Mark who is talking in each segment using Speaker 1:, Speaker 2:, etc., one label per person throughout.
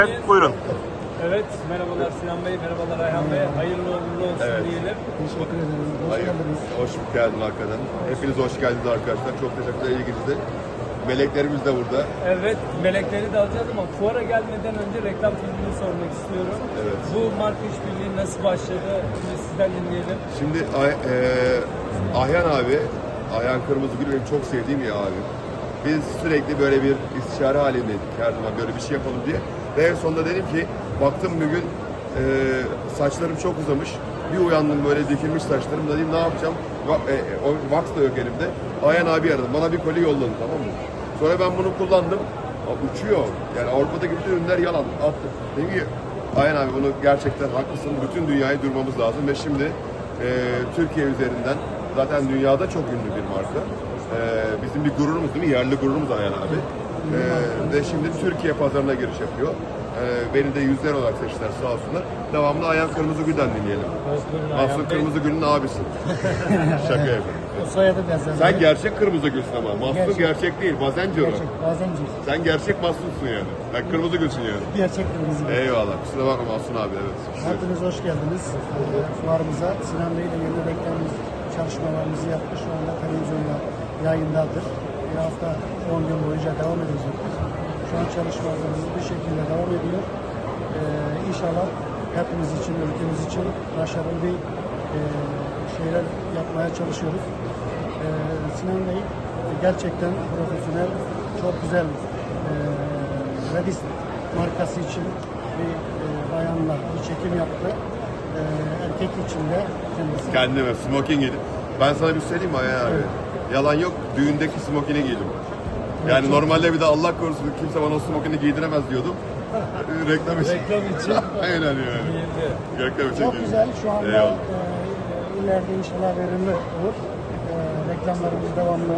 Speaker 1: Evet, buyurun.
Speaker 2: Evet, merhabalar Sinan Bey, merhabalar Ayhan Bey. Hayırlı uğurlu olsun diyelim.
Speaker 3: Teşekkür ederim. Hoş geldiniz.
Speaker 1: Hoş geldin hakikaten. Hepiniz hoş geldiniz arkadaşlar. Çok teşekkürler ilginizde. Meleklerimiz de burada.
Speaker 2: Evet, melekleri de alacağız ama fuara gelmeden önce reklam filmini sormak istiyorum.
Speaker 1: Evet.
Speaker 2: Bu marka işbirliği nasıl başladı? Şimdi sizden dinleyelim.
Speaker 1: Şimdi Ayhan abi, Ayhan Kırmızıgül benim çok sevdiğim bir abim. Biz sürekli böyle bir istişare halindeydik her zaman böyle bir şey yapalım diye. Ve en sonunda dedim ki, baktım bir gün saçlarım çok uzamış. Bir uyandım böyle dikilmiş saçlarım. Dedim ne yapacağım? O wax da yok elimde. Ayhan abi aradım. Bana bir koli yolladı, tamam mı? Sonra ben bunu kullandım. Uçuyor. Yani Avrupa'daki bütün ürünler yalan. Attı. Dedim ki Ayhan abi bunu gerçekten haklısın. Bütün dünyayı durmamız lazım. Ve şimdi Türkiye üzerinden zaten dünyada çok ünlü bir marka. Bizim bir gururumuz değil mi? Yerli gururumuz Ayhan abi. Ve şimdi Türkiye pazarına giriş yapıyor. Beni de yüzler olarak seçtiler sağ olsunlar. Devamlı Ayhan Kırmızıgül'den dinleyelim. Mahsun Kırmızıgül'ün abisi. Şaka yapıyorum.
Speaker 3: O soyadı benzer.
Speaker 1: Sen gerçek Kırmızıgül'sün ama. Mahsun gerçek değil. Bazenci o.
Speaker 3: Gerçek, bazenci.
Speaker 1: Sen gerçek Mahsun'sun yani. Sen Kırmızıgül'sün yani.
Speaker 3: Gerçek kırmızı.
Speaker 1: Eyvallah. Kusura bakma Mahsun abi. Evet.
Speaker 3: Hepiniz hoş geldiniz. Fuarımıza Sinan Bey ile yeni reklamımız çalışmalarımızı yaptı. Şu anda televizyonda yayındadır. Bir hafta 10 gün boyunca devam edecektir. Şu an çalışmalarımız bir şekilde devam ediyor. İnşallah hepimiz için, ülkemiz için başarılı bir şeyler yapmaya çalışıyoruz. Sinan Bey gerçekten profesyonel, çok güzel Redis markası için bir bayanla bir çekim yaptı. Erkek için de kendisi.
Speaker 1: Kendime smoking giydim. Ben sana bir söyleyeyim mi Ayhan abi? Yalan yok. Düğündeki smokini giydim. Yani normalde bir de Allah korusun kimse bana o smokini giydiremez diyordum. Reklam için.
Speaker 2: Reklam için.
Speaker 1: Aynen yani.
Speaker 2: Iyiydi.
Speaker 1: Reklam için
Speaker 3: Çok
Speaker 1: giydim.
Speaker 3: güzel. Şu anda
Speaker 1: Eyvallah.
Speaker 3: ileride inşallah verimli olur. Reklamlarımız devamlı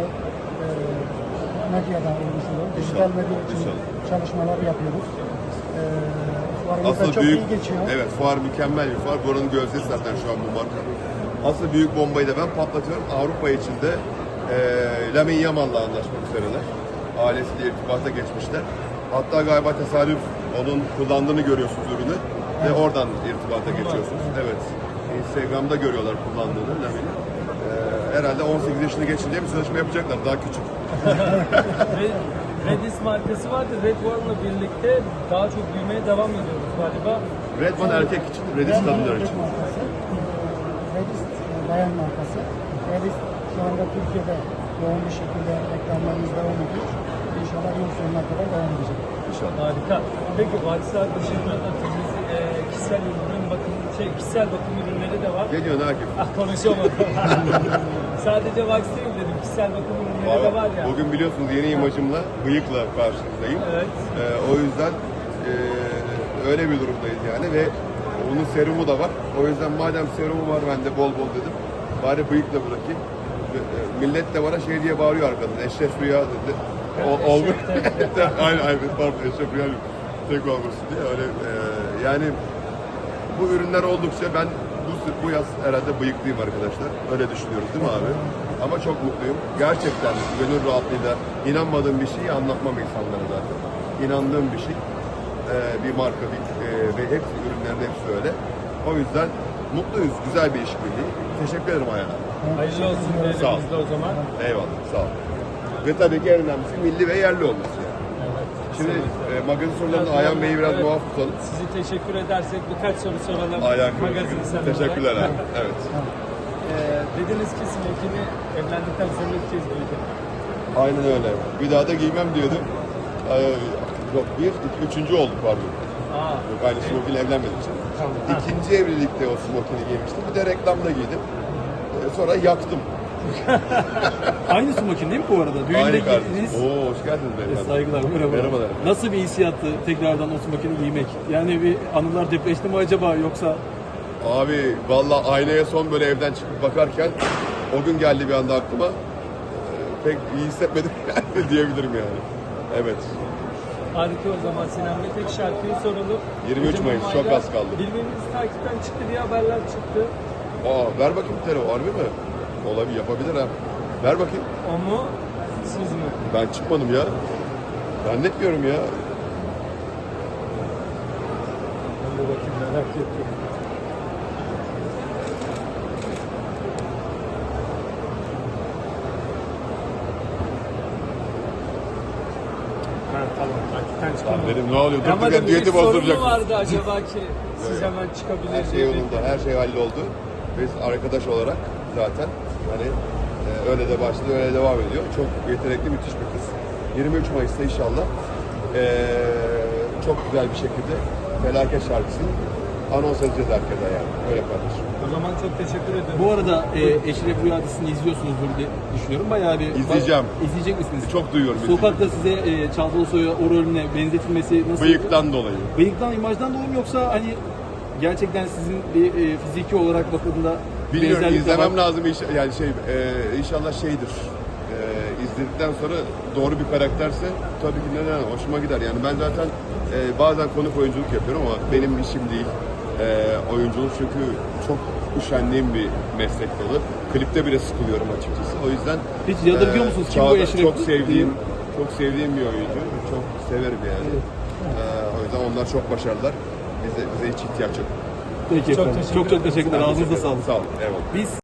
Speaker 3: medyada olmuş olur. Dijital medya için
Speaker 1: İnşallah.
Speaker 3: çalışmalar yapıyoruz. Fuarımız da
Speaker 1: Asıl
Speaker 3: çok
Speaker 1: büyük,
Speaker 3: iyi geçiyor.
Speaker 1: evet fuar mükemmel bir fuar. Buranın gözdesi zaten şu an bu marka. Asıl büyük bombayı da ben patlatıyorum. Avrupa içinde Lamine Yamal'la anlaşmak üzereler. Ailesiyle irtibata geçmişler. Hatta galiba tesadüf onun kullandığını görüyorsunuz ürünü ve oradan irtibata geçiyorsunuz. Evet. Instagram'da görüyorlar kullandığını Lamine'i. Herhalde 18 yaşını geçince bir sözleşme yapacaklar. Daha küçük.
Speaker 2: Redis markası vardı. Red One'la birlikte daha çok büyümeye devam ediyoruz galiba.
Speaker 1: Red One erkek için, Redis kadınlar için.
Speaker 3: Markası, Redis bayan markası. Redis şu anda Türkiye'de yoğun bir şekilde reklamlarımız devam ediyor. İnşallah yıl sonuna kadar devam edecek.
Speaker 1: İnşallah.
Speaker 2: Harika. Peki Vaksal dışında da temiz kişisel ürün kişisel bakım ürünleri de var.
Speaker 1: Ne diyorsun Akif?
Speaker 2: Konuşamadım. Sadece Vax değil dedim. Kişisel bakım ürünleri de var ya.
Speaker 1: Bugün biliyorsunuz yeni imajımla, bıyıkla karşınızdayım.
Speaker 2: Evet.
Speaker 1: O yüzden öyle bir durumdayız yani ve onun serumu da var. O yüzden madem serumu var ben de bol bol dedim. Bari bıyıkla bırakayım. Millet de bana şey diye bağırıyor arkadan. Eşref Rüya dedi. Olmuyor. aynen pardon Eşref Rüya tek olmasın diye. Öyle, yani bu ürünler oldukça ben bu yaz herhalde bıyıklıyım arkadaşlar. Öyle düşünüyoruz değil mi abi? Ama çok mutluyum. Gerçekten gönül rahatlığıyla inanmadığım bir şeyi anlatmam insanlara zaten. İnandığım bir şey. Bir marka ve hepsi ürünlerin hepsi öyle. O yüzden mutluyuz. Güzel bir işbirliği. Teşekkür ederim Ayhan abi.
Speaker 2: Hayırlı olsun
Speaker 1: Sağ ol.
Speaker 2: diyelim o zaman.
Speaker 1: Eyvallah. Sağ ol. Ve tabii ki en önemlisi milli ve yerli olması yani. Şimdi magazin sorularında Ayhan Bey'i biraz muaf tutalım.
Speaker 2: Sizi teşekkür edersek birkaç soru soralım.
Speaker 1: Ayhan
Speaker 2: Magazin sanatı.
Speaker 1: Teşekkürler abi. Evet.
Speaker 2: Dediniz ki smokini evlendikten sonra ilk kez giydin.
Speaker 1: Aynen öyle. Bir daha da giymem diyordum. Yok üçüncü oldu pardon. Yok aynı smokinle evlenmedim için. İkinci evlilikte o smokini giymiştim. Bir de reklamda giydim. Sonra yaktım.
Speaker 4: Aynı smokin değil mi bu arada? Düğünde
Speaker 1: Aynı kardeşim.
Speaker 4: giydiniz.
Speaker 1: Oo hoş geldiniz beyefendi.
Speaker 4: Saygılar, merhaba.
Speaker 1: Merhabalar.
Speaker 4: Nasıl bir hissiyattı tekrardan o smokini giymek? Yani bir anılar depreşti mi acaba yoksa?
Speaker 1: Abi vallahi aynaya son böyle evden çıkıp bakarken o gün geldi bir anda aklıma. Pek iyi hissetmedim diyebilirim yani. Evet.
Speaker 2: Harika o zaman Sinan Bey. Tek şarkıyı soralım.
Speaker 1: 23 Mayıs, çok az kaldı.
Speaker 2: Birbirimizi takipten çıktı diye haberler çıktı.
Speaker 1: Ver bakayım telefon. Harbi mi? Olabilir, yapabilir ha. Ver bakayım.
Speaker 2: O mu? Siz mi?
Speaker 1: Ben çıkmadım ya. Zannetmiyorum ya.
Speaker 2: Merak ettim. Ha tamam. Hakikaten çıkamam.
Speaker 1: Dedim ne oluyor?
Speaker 2: Ama
Speaker 1: Durduk düeti
Speaker 2: bir sorun
Speaker 1: bozduracak.
Speaker 2: mu vardı acaba ki siz hemen
Speaker 1: Her
Speaker 2: çıkabilir
Speaker 1: şey yolunda, her şey halloldu. Biz arkadaş olarak zaten hani öyle de başladı, öyle devam ediyor. Çok yetenekli, müthiş bir kız. 23 Mayıs'ta inşallah çok güzel bir şekilde Felaket şarkısını anons edeceğiz herkese yani. Öyle kardeşim.
Speaker 2: O zaman çok teşekkür ederim.
Speaker 4: Bu arada Eşref Rüya dizisini izliyorsunuzdur diye düşünüyorum. Bayağı bir...
Speaker 1: İzleyeceğim.
Speaker 4: İzleyecek misiniz?
Speaker 1: Çok duyuyorum.
Speaker 4: Sokakta size Çağatay Soy'a o rolüne benzetilmesi nasıl?
Speaker 1: Bıyıktan dolayı.
Speaker 4: Bıyıktan, imajdan dolayı mı yoksa hani gerçekten sizin bir fiziki olarak bakıldığında
Speaker 1: Bilmiyorum,
Speaker 4: benzerlik de var?
Speaker 1: izlemem lazım. Yani inşallah şeydir. İzledikten sonra doğru bir karakterse tabii ki neden hoşuma gider. Yani ben zaten bazen konuk oyunculuk yapıyorum ama benim işim değil oyunculuk, çünkü çok üşendiğim bir meslek dalı. Klipte bile sıkılıyorum açıkçası. O yüzden
Speaker 4: Hiç yadırgıyor musunuz? Kim bu
Speaker 1: Çağatay
Speaker 4: Eşref?
Speaker 1: çok sevdiğim bir oyuncu. Çok severim yani. O yüzden onlar çok başarılılar. Bize hiç ihtiyaç yok.
Speaker 4: Peki
Speaker 2: Çok
Speaker 4: efendim.
Speaker 2: teşekkür
Speaker 4: Çok teşekkürler. Ağzınıza sağlık.
Speaker 1: Sağ olun. Eyvallah.
Speaker 4: Biz